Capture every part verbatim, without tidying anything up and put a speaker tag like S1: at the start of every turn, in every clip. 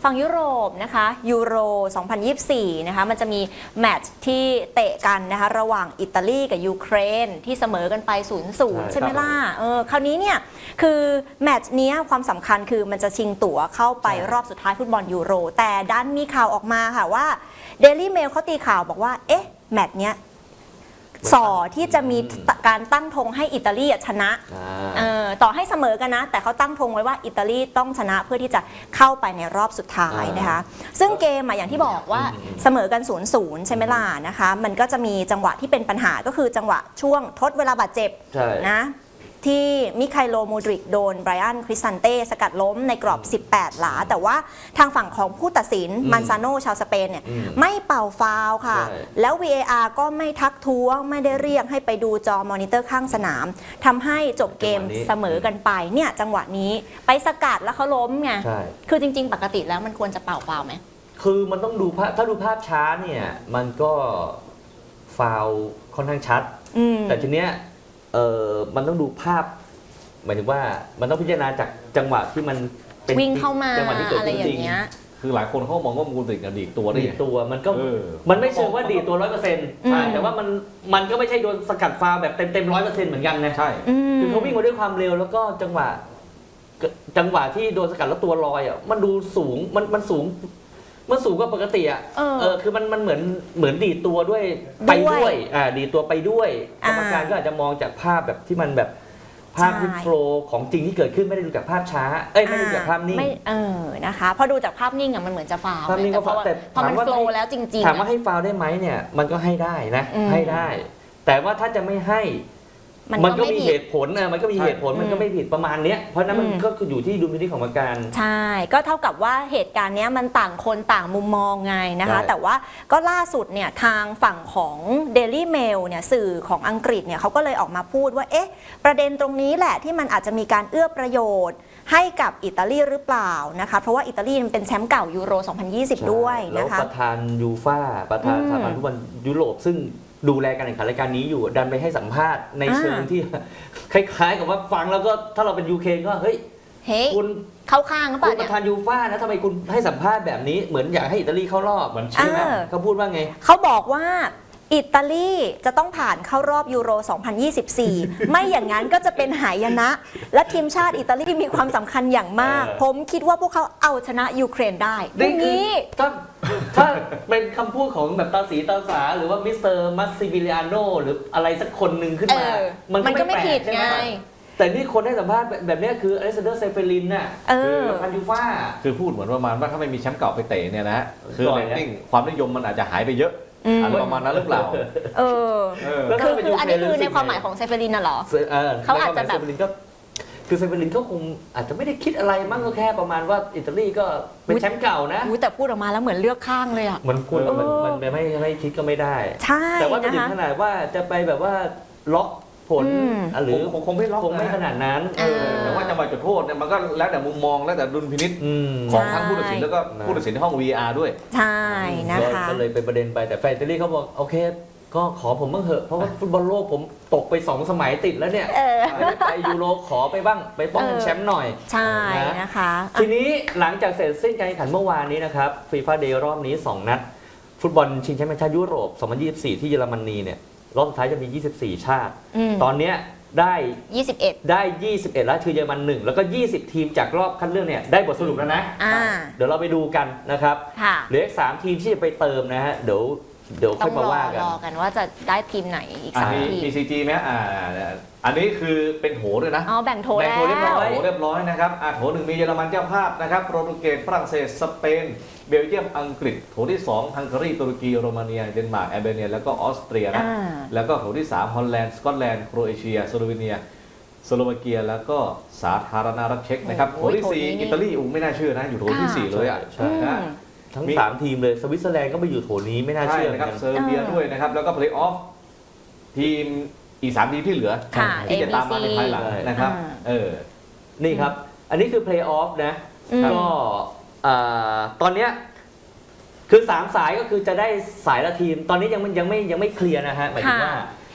S1: ฝั่งยุโรปนะคะยูโรสองพันยี่สิบสี่นะคะมันจะมีแมตช์ที่เตะกันนะคะระหว่างอิตาลีกับยูเครนที่เสมอกันไป ศูนย์ศูนย์ ใช่ไหมล่ะเออคราวนี้เนี่ยคือแมตช์นี้ความสำคัญคือมันจะชิงตั๋วเข้าไปรอบสุดท้ายฟุตบอลยูโรแต่ดันมีข่าวออกมาค่ะว่า Daily Mail เขาตีข่าวบอกว่าเอ๊ะแมตช์เนี้ยส่อที่จะมีการตั้งธงให้อิตาลีชนะออต่อให้เสมอกันนะแต่เขาตั้งธงไว้ว่าอิตาลีต้องชนะเพื่อที่จะเข้าไปในรอบสุดท้ายนะคะซึ่งเกมอย่างที่บอกว่าเสมอกัน ศูนย์ศูนย์ ใช่ไหมล่ะนะคะมันก็จะมีจังหวะที่เป็นปัญหาก็คือจังหวะช่วงทดเวลาบาดเจ็บนะที่มิไคโล มูดริกโดนไบรอัน คริสซันเต้สกัดล้มในกรอบสิบแปดหลาแต่ว่าทางฝั่งของผู้ตัดสินมันซาโนชาวสเปนเนี่ยไม่เป่าฟาวล์ค่ะแล้ว วี เอ อาร์ ก็ไม่ทักท้วงไม่ได้เรียกให้ไปดูจอมอนิเตอร์ข้างสนามทำให้จบเกมเสมอกันไปเนี่ยจังหวะนี้ไปสกัดแล้วเขาล้มไงคือจริงๆปกติแล้วมันควรจะเป่าฟาวล์ไหม
S2: คือมันต้องดูภาพถ้าดูภาพช้าเนี่ยมันก็ฟาวล์ค่อนข้างชัดแต่ทีเนี้ยเออมันต้องดูภาพหมายถึงว่ามันต้องพิจารณาจากจังหวะที่มัน
S1: เป็นวิ่งเข้ามาจังหวะที่เกิดขึ้นจริง
S3: คือหลายคนเขามองว่ามูลติกดีดตัว
S2: ดีดตัวมันก็มันไม่เชิงว่าดีดตัวร้อยเปอร์เซ็นต์ใช่แต่ว่ามันมันก็ไม่ใช่โดนสกัดฟาวแบบเต็มเต็มร้อยเปอร์เซ็นต์เหมือนกันนะ
S3: ใช่
S2: คือเขาวิ่งมาด้วยความเร็วแล้วก็จังหวะจังหวะที่โดนสกัดแล้วตัวลอยอ่ะมันดูสูงมันมันสูงมันสูงกว่าปกติอ่ะเออคือมันมันเหมือนเหมือนดีดตัวด้วยไปด้วยอ่าดีดตัวไปด้วยกรรมการก็อาจจะมองจากภาพแบบที่มันแบบภาพที่โฟล์ของจริงที่เกิดขึ้นไม่ได้ดูจากภาพช้าเอ้ยไม่ได้ดูจากภาพนิ่ง
S1: ไม่เออนะคะพอดูจากภาพนิ่งอ่ะมันเหมือนจะฟาวล์
S2: ภาพนิ่งก็ฟาวล์แต่
S1: พอมันโฟล์แล้วจริง
S2: ๆถามว่าให้ฟาวล์ได้ไหมเนี่ยมันก็ให้ได้นะให้ได้แต่ว่าถ้าจะไม่ให้มันก็มีเหตุผลนะมันก็มีเหตุผลมันก็ไม่ผิดประมาณเนี้ยเพราะนั้นมันก็อยู่ที่ดุลพินิจของกรรมการ
S1: ใช่ก็เท่ากับว่าเหตุการณ์นี้มันต่างคนต่างมุมมองไงนะคะแต่ว่าก็ล่าสุดเนี่ยทางฝั่งของ Daily Mail เนี่ยสื่อของอังกฤษเนี่ยเขาก็เลยออกมาพูดว่าเอ๊ะประเด็นตรงนี้แหละที่มันอาจจะมีการเอื้อประโยชน์ให้กับอิตาลีหรือเปล่านะคะเพราะว่าอิตาลีมันเป็นแชมป์เก่ายูโรสองพันยี่สิบด้วยนะคะ
S2: แล้วประธานยูฟ่าประธานสหพันธ์ฟุตบอลยุโรปซึ่งดูแลการแข่งขันรายการนี้อยู่ดันไปให้สัมภาษณ์ในเชิงที่คล้ายๆกับว่าฟังแล้วก็ถ้าเราเป็นยูเครนก็เฮ้ย
S1: คุณเข้าข้างหรือเปล่า
S2: คุณประธานยูฟ่านะทำไมคุณให้สัมภาษณ์แบบนี้เหมือนอยากให้อิตาลีเข้ารอบเหมือนใช่ไหมเขาพูดว่าไง
S1: เขาบอกว่าอิตาลีจะต้องผ่านเข้ารอบยูโรสองพันยี่สิบสี่ ไม่อย่างนั้นก็จะเป็นหายนะและทีมชาติอิตาลีมีความสำคัญอย่างมากผมคิดว่าพวกเขาเอาชนะยูเครนได้
S2: ดังนี้ถ้าถ้าเป็นคำพูดของแบบตาสีตาสาหรือว่ามิสเตอร์มัสซิบิลิอาโนหรืออะไรสักคนหนึ่งขึ้นมา
S1: มันก็ไม่ผิดไง
S2: แต่นี่คนให้สัมภาษณ์แบบนี้คืออเล็กซานเดอร์เซเฟลินน่ะคือประธานยูฟ่า
S3: คือพูดเหมือนประมาณว่าถ้าไม่มีแชมป์เก่าไปเตะเนี่ยนะคือเรตติ้งความนิยมมันอาจจะหายไปเยอะอะไรประมาณนั้นหรือเปล่า
S1: เออคือคืออันนี้คือในความหมายของเซเฟลินน่ะเหรอเขาอาจจะแบบ
S2: คือเซเฟลินเขาคงอาจจะไม่ได้คิดอะไรมั้งก็แค่ประมาณว่าอิตาลีก็เป็นแชมป์เก่านะ
S1: แต่พูดออกมาแล้วเหมือนเลือกข้างเลยอ่ะ
S2: มันควรมันมันไม่ไม่คิดก็ไม่ได้
S1: ใช่
S2: แต่ว่าถึงขนาดว่าจะไปแบบว่าล็อกผลหรือ
S3: คงไม่ล็อก
S2: คงไม่ขนาดนั้น
S3: แต่ว่าจังหวะจุดโทษเนี่ยมันก็แล้วแต่มุมมองแล้วแต่ดุลพินิจของทั้งผู้ตัดสินแล้วก็ผู้ตัดสินในห้อง วี อาร์ ด้วย
S1: ใช่นะคะ
S2: ก็เลยเป็นประเด็นไปแต่แฟนอิตาลีเขาบอกโอเคก็ขอผมบ้างเถอะเพราะว่าฟุตบอลโลกผมตกไปสองสมัยติดแล้วเนี่ยไปยูโรขอไปบ้างไปป้องแชมป์หน่อย
S1: ใช่นะคะ
S2: ทีนี้หลังจากเสร็จสิ้นการแข่งขันเมื่อวานนี้นะครับฟีฟ่าเดย์รอบนี้สองนัดฟุตบอลชิงแชมป์ชาติยุโรปสองพันยี่สิบสี่ที่เยอรมนีเนี่ยรอบสุดท้ายจะมียี่สิบสี่ชาติตอนนี้ได้
S1: ยี่สิบเอ็ด
S2: ได้ยี่สิบเอ็ดแล้วคือเยอรมันหนึ่งแล้วก็ยี่สิบทีมจากรอบคัดเลือกเนี่ยได้บทสรุปแล้วนะเดี๋ยวเราไปดูกันนะครับเหลืออีกสามทีมที่จะไปเติมนะฮะเดี๋ยวเดี๋ยวค่อยมาว่ากัน
S1: รอกันว่าจะได้ทีมไหนอีกสามทีม
S3: พี ซี จี ไหมอ่าอันนี้คือเป็นโถด้วยนะ
S1: อ๋อแบ่งโถแล้ว
S3: แบ่งโถเรียบร้อยโถเรียบร้อยนะครับอ่าโถหนึ่งมีเยอรมันเจ้าภาพนะครับโปรตุเกสฝรั่งเศสสเปนเบลเยียมอังกฤษโถที่สองฮังการีตุรกีโรมาเนียเดนมาร์กแอลเบเนียแล้วก็ออสเตรียนะแล้วก็โถที่สามฮอลแลนด์สกอตแลนด์โครเอเชียสโลวีเนียสโลวาเกียแล้วก็สาธารณรัฐเช็กนะครับโถที่สี่อิตาลีอุ้งไม่น่าเชื่อนะอยู่โถที่สี่เลยอ่ะ
S2: ใช่นะทั้งสามทีมเลยสวิตเซอร์แลนด์ก็ไปอยู่โถนี้ไม่น่าเชื่อ
S3: นะครับเซอร์เบียด้วยนะครับแล้วก็เพลย์ออฟทีมอีกสามทีมที่เหลือที่จะตามมาในภายหลังนะครับเออ
S2: นี่ครับอันนี้คือเพลย์ออฟนะก็ตอนเนี้ยคือสามสายก็คือจะได้สายละทีมตอนนี้ยังยังไม่ยังไม่เคลียร์นะฮะหมายถึงว่า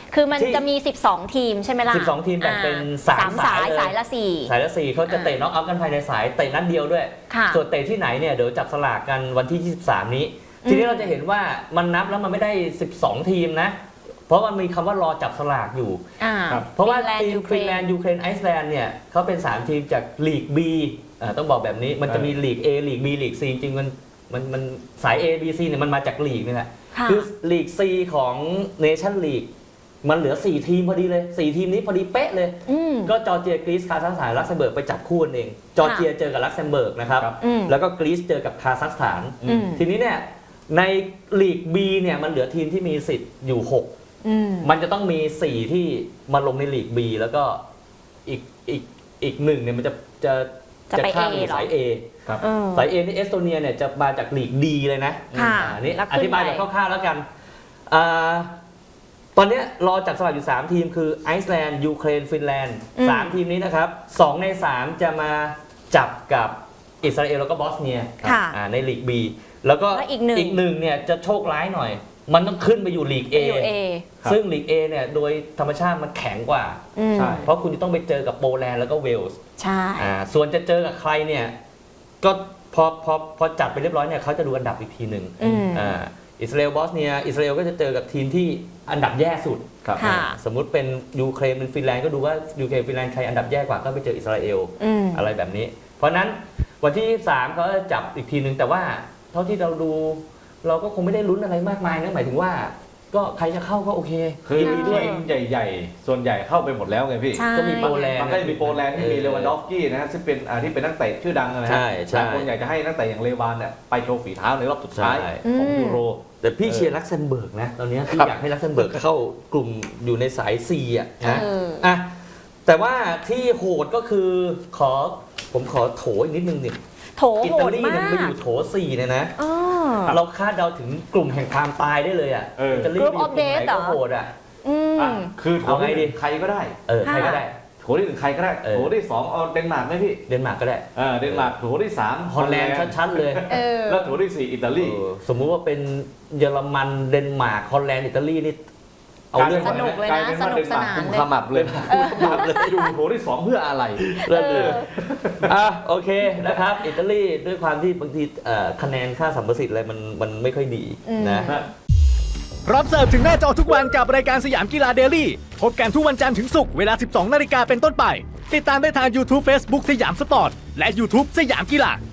S1: คือมัน
S2: ที่
S1: จะมี สิบสอง ทีมใช่ไหมล่ะ
S2: สิบสองทีมแบ่งเป็น
S1: อ่
S2: สาม
S1: สาย
S2: สายเลย
S1: สายละสี่
S2: สายละสี่เขาจะเตะน็อกเอาท์กันภายในสายเตะนัดเดียวด้วย
S1: ค่ะ
S2: ส่วนเตะที่ไหนเนี่ยเดี๋ยวจับสลากกันวันที่ยี่สิบสามนี้ ทีนี้เราจะเห็นว่ามันนับแล้วมันไม่ได้สิบสองทีมนะ เพราะมันมีคำว่ารอจับสลากอยู่
S1: อ่า
S3: ครับ
S2: เพราะว่า
S1: ฟินแลนด์
S2: ทีม
S1: ยูเคร
S2: ฟินแลน
S1: น
S2: ด์ยูเครนไอซ์แลนด์เนี่ยเขาเป็นสามทีมจากลีก B อ่าต้องบอกแบบนี้มันจะมีลีก A ลีก B ลีก C จริงๆมันมันมันสาย A B C เนี่ยมันมาจากลีกนี่แหละ
S1: ค่ะ
S2: คือลีก C ของเนชั่นลีกมันเหลือสี่ทีมพอดีเลยสี่ทีมนี้พอดีเป๊ะเลย
S1: อืม
S2: ก็จอร์เจียกรีซคาซัคสถานลักเซมเบิร์กไปจับคู่กันเอง จอร์เจียเจอกับลักเซมเบิร์กนะครับ
S3: ครับ
S1: อืม
S2: แล้วก็กรีซเจอกับคาซัคสถาน
S1: อืม
S2: ทีนี้เนี่ยในลีก B เนี่ยมันเหลือทีมที่มีสิทธิ์อยู่หก
S1: อืม
S2: มันจะต้องมี สี่ ที่มาลงในลีก B แล้วก็อีกอีกอีกหนึ่งเนี่ยมันจะจะ
S1: จะไป
S2: ข้าม
S1: A
S2: อยู่
S1: เหรอ
S2: สาย A
S3: ครับ
S1: เออ
S2: สาย A นี่เอสโตเนียเนี่ยจะมาจากลีก D เลยนะ
S1: ค่ะ
S2: อ่าอันนี้
S1: แล้ว
S2: อ
S1: ขึ้น
S2: ธิบาย
S1: ไป
S2: แบบคร่าวๆแล้วกันอ่าตอนเนี้ยรอจับสลากอยู่ สาม ทีมคือไอซ์แลนด์ยูเครนฟินแลนด์
S1: อืม
S2: สามทีมนี้นะครับสองในสามจะมาจับกับอิสราเอลแล้วก็บอสเนีย
S1: ค่ะ
S2: อ่าในลีก B แล้วก็
S1: แล้วอีกหนึ่ง
S2: อีกหนึ่งเนี่ยจะโชคร้ายหน่อย มันต้องขึ้นไปอยู่ลีก A
S1: อยู่เอ
S3: ครับ
S2: ซึ่งลีก A เนี่ยโดยธรรมชาติมันแข็งกว่า
S1: อืม
S3: ใช่
S2: เพราะคุณจะต้องไปเจอกับโปแลนด์แล้วก็เวลส์
S1: ใช่
S2: อ่าส่วนจะเจอกับใครเนี่ยก็พอพอพอจัดไปเรียบร้อยเนี่ยเขาจะดูอันดับอีกทีหนึ่ง
S1: อืม
S2: อ่าอิสราเอลบอสเนียอิสราเอลก็จะเจอกับทีมที่อันดับแย่สุด
S3: ครับ
S1: ค่ะ
S2: สมมุติเป็นยูเครนเป็นฟินแลนด์ก็ดูว่ายูเครนฟินแลนด์ใครอันดับแย่กว่าก็ไปเจออิสราเอล
S1: อืม
S2: อะไรแบบนี้ เพราะฉะนั้นวันที่ยี่สิบสามเขาจะจับอีกทีหนึ่งแต่ว่าเท่าที่เราดู เราก็คงไม่ได้ลุ้นอะไรมากมายนะหมายถึงว่า ก็ใครจะเข้าก็โอเค
S3: คือ
S2: ยินดีด้วย
S3: ทีมใหญ่ๆ ส่วนใหญ่เข้าไปหมดแล้วไงพี่
S1: ใช่
S2: ก็มีโปแลนด์
S3: มันก็จะมีโปแลนด์ที่มีเลวานดอฟสกี้นะฮะซึ่งเป็นอ่าที่เป็นนักเตะชื่อดังนะฮะ
S2: ใช่ใช่
S3: หลายคนอยากจะให้นักเตะอย่างเลวานเนี่ยไปโชว์ฝีเท้าในรอบสุดท้าย
S2: ใช่
S3: ของ
S1: อืม
S3: ยูโร
S2: แต่พี่
S3: เออ
S2: เชียร์ลักเซมเบิร์กนะตอนนี้พี่
S3: ครับ
S2: อยากให้ลักเซมเบิร์กเข้ากลุ่มอยู่ในสาย C อ่ะนะ
S1: เออ
S2: อ่ะแต่ว่าที่โหดก็คือขอผมขอโถอีกนิดนึงดิ
S1: โถ
S2: อิ
S1: โห
S2: ตา
S1: ด
S2: ลี
S1: มา
S2: เนี่ยมันไป
S1: ก
S2: อยู่โถสี่เนี่ยนะ
S1: อ๋อ
S2: เราคาดเดาถึงกลุ่มแห่งความตายได้เลยอ่ะ
S3: เอออิ
S2: ตาลี
S1: Group
S2: ไปอยู่
S1: of
S2: กลุ่มไหน
S1: Death เหร
S2: ก็
S1: อ
S2: โหดอ่ะ
S1: อืม
S3: อ่ะคือโถ
S2: เอาไง
S3: ที่ห
S2: ดี
S3: นึ่งใครก็ได้
S2: เออใครก็ได้
S3: โถที่หนึ่งใครก็ได้
S2: เออ
S3: โถที่สองเอาเดนมาร์กไหมพี่
S2: เดนมาร์กก็ได้
S3: อ่าเดนมาร์กโถที่สาม
S2: ฮอลแลนด์ชัดๆเลย
S1: เออ
S3: แล้วโถที่สี่อิตาลี
S2: เออสมมุติว่าเป็นเยอรมันเดนมาร์กฮอลแลนด์อิตาลีนี่เอาเรื่อง
S1: สนุกเลย
S3: กลาย
S1: นะ
S3: เป็น
S1: ส
S3: ว่า
S1: นุ
S3: เด
S1: ก
S3: น
S1: ส
S3: มาร์ก
S1: นาน
S3: กุม
S1: เลย
S3: ขมับเลยเลยอยู่โถที่สองเพื่ออะไร
S2: เรื่องเลยอ่ะโอเคนะครับ อิตาลีด้วยความที่บางทีเอ่อคะแนนค่าสัมประสิทธิ์อะไรมันมันไม่ค่อยดีนะ
S4: รับเสิร์ฟถึงหน้าจอทุกวันกับรายการสยามกีฬาเดลี่พบกันทุกวันจันทร์ถึงศุกร์เวลา สิบสองนาฬิกาเป็นต้นไป ติดตามได้ทาง YouTube Facebook สยามสปอร์ต และ YouTube สยามกีฬา